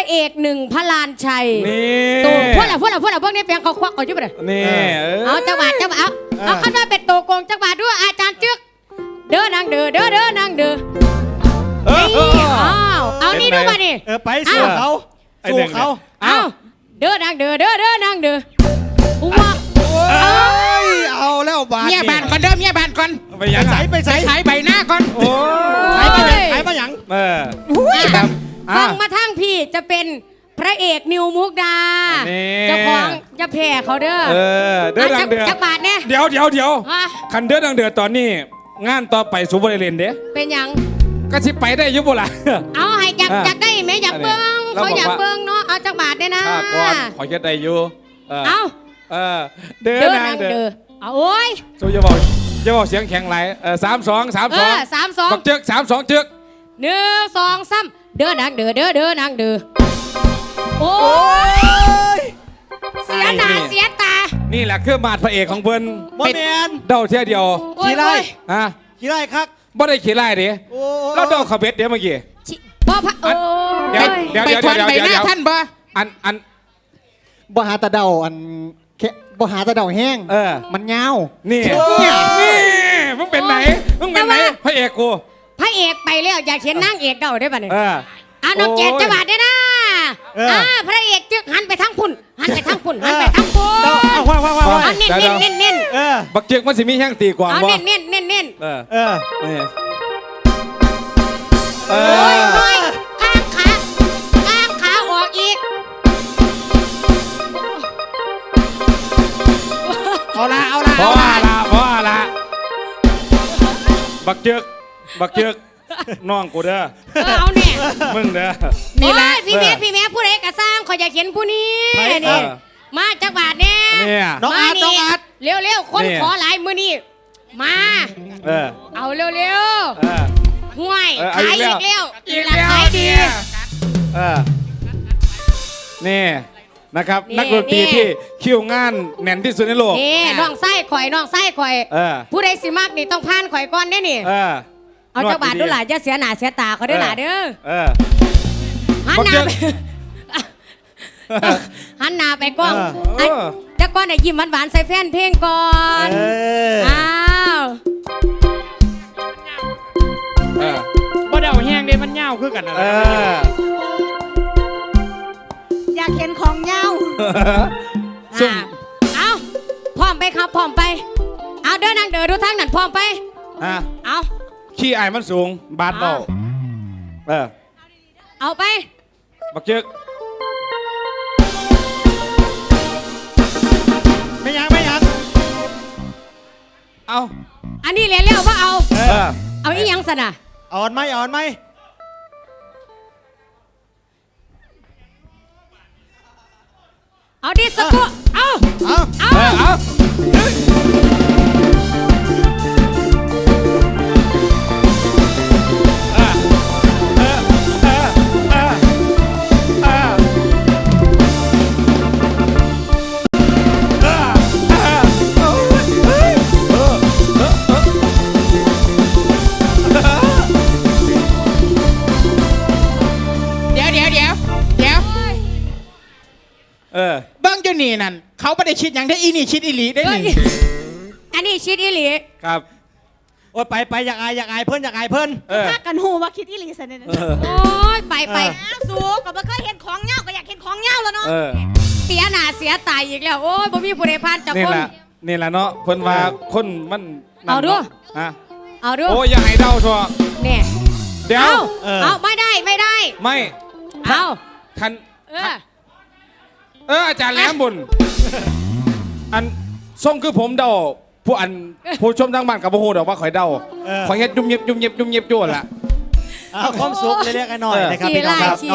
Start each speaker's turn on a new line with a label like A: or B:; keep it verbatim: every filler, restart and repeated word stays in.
A: เอกหนึ่งพระลานชัย
B: นี่
A: ตัวพวกเราพวกเราพวกเราพวกนี้เพียงเขาควักก่อนยุ่งไปเลย
B: นี่
A: เอาจังหวัดจังหวัดเอาเอาขั้นว่าเป็นตัวโกงจังหวัดด้วยอาจารย์จึกเด้อนางเด้อเด้อเด้อนางเด้อ
B: เออเออ
A: นี่อ้าวเอานี่ดูมาดิ
C: เออไปสู้เขาสู้เขา
A: เอาเด้อนางเด้อเด้อเด้อนางเด้อว้า
C: เอ้ยเอาแล้วบาด
D: เมียบานก่อนเด้อเมียบานก่อน
B: ไปยัง
C: ใส่ไป
D: ไป
C: ใส่
D: ฉายใบหน้าก่อน
B: โอ้
C: ใส่ไปยังใส่ไปยัง
B: เออ
A: ฟัง
B: อ่ะ
A: มาทั้งพี่จะเป็นพระเอกนิวมุกดา
B: นี่
A: เจ้าของจะแผ่เขาเด้อ
B: เออเดือดดังเดือด
A: จักบาทเนี่ย
B: เดี๋ยวเดี๋ยวเดี๋ยว
A: ฮะ
B: คันเดือดดังเดือดตอนนี้ งานต่อไปซูเปอร์เลนเด้
A: เป็นหยัง
B: ก็สิไปได้อยุบล่ะ
A: เอาให้อยาก
B: อ่ะ
A: อยากได้ไหมอยากเบิ้ง
B: เรา
A: เขาอยาก
B: บอกว่า
A: เบิ้งเนาะเอาจักบาทเนี่ยนะ
B: ข้าก่อนขอเย็ดได้อยู่เออ
A: เอา
B: เออเดือด
A: เด้อ
B: ดั
A: นาง ง
B: เดือ
A: เด้อ
B: ด
A: เอาโอ้ย
B: สู้จะบอกจะบอกเสียงแข็งไหลเออสามสองสาม
A: เอ
B: สอง
A: อสามสอง
B: บักเจือกสามสองเจือก
A: หนึ่งสองสามเด้อนางเด้อเด้อเด้อนางเด้อโอ้ยเสียหน้าเสียตา
B: นี่แหละคือมาดพระเอกของเพิ่น
C: บ่แมน
B: เดาเท่ยเดียว
A: โอ้ย
C: ขี้ไล่
A: โอ้ย
B: ฮะ
C: ขี้ไล่ครับ
B: บ่ได้ขี้ไล่เด้
C: โอ้
B: เราเดาเขาเบ็ดเดี๋ยวเมื่อกี้
A: ชิบ่พะโอ้
B: เดี๋ยว
A: ย
B: เดี๋ยว
D: ไป
B: เดี๋ยว
D: ทวน
B: เดี๋ยว
D: ใบ
B: เดี๋ยว
D: หน้า
B: เดี๋ยว
D: ท่านบ่
B: อันอัน
E: บ่หาตะเดาอันแค่บ่หาตะเดาแห้ง
B: เออ
E: มันยาว
B: นี่นี่มึงเป็นไหนมึงเป็นไหนพระเอกกู
A: พระเอกไปแล้วอยากเห็นนางเอกเดาได้ป่ะเนี่ย
B: เออ
A: อ่ะน้องเจน
B: โอ้ย
A: จังหวัดเนี่ยนะอ่าพระเอกจึกหันไปทางพุ่นหันไปทางพุ่นหันไปทางพุ่น
C: เอาว่าว่าว่าว่า
A: เอาเน้นเน้นเน้นเน้น
C: เออ
B: บักเจือกมันสิมีแห้งตีกว่า
A: เอา
B: บ่
A: เน้นเน้นเน้นเน้น
B: เออ
C: เออ
B: นี่เอ
A: โอ้ย
B: อ
A: โอ้ยข้างขาข้างขาออกอีก
D: เอาละเอาละ
B: เพ
D: เอา
B: ราะว่า
D: ละ
B: ละเพราะว่าละบักเจือกบักเจือกน้องกูเด้อ
A: เออเอาเนี่ย
B: มึงเด้อ
D: นี่แหละ
A: โอ้ยพี่แม่พี่แม่ผู้ใดกระสร้างขอยอยากเห็นผู้นี้
C: ไป
A: นี่
B: เออ
A: มาจังหวัดเนี่ย
B: เนี่ย
C: น้องอาร์ตน้องอาร์ต
A: เร็วเร็วๆคน
B: เนี่ย
A: ขอหลายมือนี่มา
B: เออ
A: เอาเร็วเร็ว
B: เออ
A: ๆห่วย
B: เออเอา
A: ขาย
B: อี
A: อี
B: ก
A: ก
B: แล้
A: แล้ว ว
D: อีก
A: รา
D: แล้ว
A: ขายดี
D: เนี่ย
B: เออนี่นะครับ
A: นี่
B: นักดนตรี
A: นี่
B: ที่คิวงานแน่นที่สุดในโลก
A: นี่น้องไส้ข่อยน้องไส้ข่อย
B: เออ
A: ผู้ใดสิมากนี่ต้องผ่านข่อยก่อนได้นี่
B: เออ
A: เอาจังหวัดดูหล่ะจะเสียหน้าเสียตาเขาด้วยหล่ะเด้อ
B: เออ
A: หัน
B: บัก
A: ห
B: เจื
A: น้า
B: อก
A: ไปหันหน้าไปกล้อง
B: เออ
A: ไอ้แต่ก่อนไอ้ยิ้มหวานๆใส่แฟนเพลงก่อน
C: เออ
A: อ้าว
B: เออ
D: บ่เดาแห้งเด้มันเงาคือกันอะไร
B: เออ
F: อยากเห็นของเงา
B: ซุ่ม
A: อ่าเอาพร้อมไปครับพร้อมไป เอาเดินนางเดินดูทางนั้นพร้อมไป
B: อ่ะ
A: เอา
B: ขี้อายมันสูง บาดเบาเออ
A: เอาไป
B: บักเจือก
C: ไม่ยังไม่ยัง
B: เอา
A: อันนี้เรียนเร็วว่าเอา
B: เออ
A: เอาอีหยังสนะ
C: อ่อนไหมอ่อนไหม
A: เอาดิสโก้เอา
C: เอา
A: เอา
B: เออเอาเออเออเออเออเออ
D: เดี๋ยวเดี๋ยวเดี๋ยวเดี๋ยว
B: เออ
D: เบิ้งอยู่นี่นั่นเขาไม่ได้คิดอย่างที่อีนี่คิดอีหลีได้
A: เฮ้ย
D: นี่
A: อันนี้ชิดอีหลี
B: ครับ
C: โอ้ยไปไปอยากอายอยากอายเพิ่นอยากอายเพิ่น
B: เออ
F: ถ้ากันหูว่าคิดอีหลีสันเนี่ย
B: เออ
A: โอ้ยไปไป
C: เออ
F: อ้าวสูก็บ่เคยเห็นของเงาก็อยากเห็นของเงาแล้วเนาะ
B: เออ
A: เสียหน้าเสียตายอีกแล้ว โอ้ยบ่มีผู้ใดผ่านจาก
B: นี่
A: คน
B: แหละนี่แหละเนาะเพิ่นว่าคนมันนั่น
A: เอาดู
B: นะฮะ
A: เอาดู
B: โอ้ยอย่าให้เดาชัวร์
A: เนี่ย
B: เดี๋ยว
A: เอา
C: เออ
A: เอาไม่ได้ไม่ได้
B: ไม่
A: เอา
B: คัน
A: เออ
B: เอออาจารย์แหลมบุญอันส่งคือผมเดาผู้อันผู้ชมทางบ้านกับผู้โหดอกว่าข่อยเดา
C: เออ
B: ข่อยเฮ็ดยุ่มเย็บยุ่มเย็บยุ่มเย็บจ้วนละ
C: เอาความสุขเรียกๆหน่อยๆนะครับ
A: ขี่
C: พี่น้อง
A: ไล่
C: ครับ
A: ขี่